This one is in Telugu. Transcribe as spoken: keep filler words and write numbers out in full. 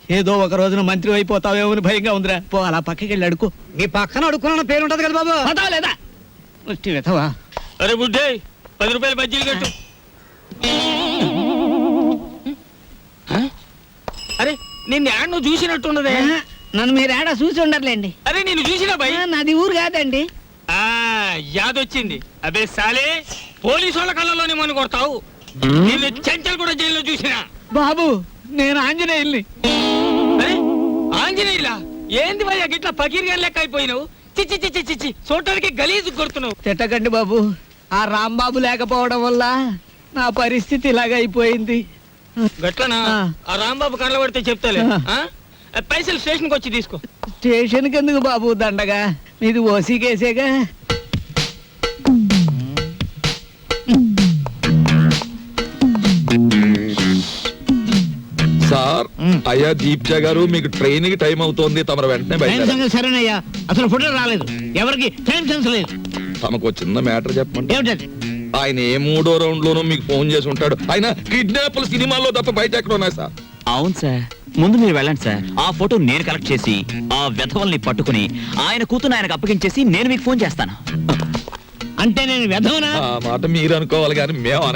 ఏదో ఒక రోజున మంత్రి అయిపోతావేమో అని భయంగా ఉందిరా. పో అలా పక్కకి వెళ్ళి అడుకో. నీ పక్కన అడుక్కున్న పేరు ఉంటది కదా బాబు. పదా లేదా ముష్టి వెతవా. అరే బుడ్డే పది రూపాయలు బజ్జీలు కట్టు. అరే నిన్ను యాడ్ నువ్వు చూసినట్టున్నదే. నన్ను మీరు ఏడా చూసి ఉండర్లేండి. అరే నేను చూసినా భయ్. నాది ఊరు కాదండి. ఆ యాదొచ్చింది. అబే సాలే పోలీసు వాళ్ళ కళ్ళలోనే మని కొడతావు. నిన్ను చెంచల్ కూడా జైల్లో చూసినా. బాబు నేను ఆంజనేయుల్ని. అరే ఆంజనేయులా ఏంది భయ్యా గిట్లా పకీర్గా లెక్క అయిపోయినావు. చిచ్చి చిచ్చి చిచ్చి చూడటానికి గలీజు కొడుతున్నావు. తిట్టకండి బాబు. ఆ రాంబాబు లేకపోవడం వల్ల నా పరిస్థితి ఇలాగ అయిపోయింది. గట్లనా? ఆ రాంబాబు కళ్ళ పడితే చెప్తాలే. పైసలు స్టేషన్కి వచ్చి తీసుకో. స్టేషన్కి ఎందుకు బాబు దండగా? మీది ఓసీ కేసేగా. సార్ అయ్యా దీప్జ గారు మీకు ట్రైన్ కి టైం అవుతోంది, తమరు వెంటనే బయలుదేరాలి. సరేనయ్యా, అసలు ఫోటో రాలేదు. ఎవరికి టైం సెన్స్ లేదు. తమకు చిన్న మ్యాటర్ చెప్పండి. ఏమిటది? ఆయన ఏ మూడో రౌండ్ లోనూ మీకు ఫోన్ చేసి ఉంటాడు. ఆయన కిడ్నాప్ సినిమాల్లో తప్ప బయట ఎక్కడ ఉన్నాయి సార్? అవును సార్, ముందు మీరు వెళ్ళండి సార్. ఆ ఫోటో నేను కలెక్ట్ చేసి ఆ వెధవల్ని పట్టుకుని ఆయన కూతురు ఆయనకు అప్పగించేసి నేను మీకు ఫోన్ చేస్తాను. అంటే నేను వెధవనా? ఆ మాట మీరు అనుకోవాలి కానీ మేము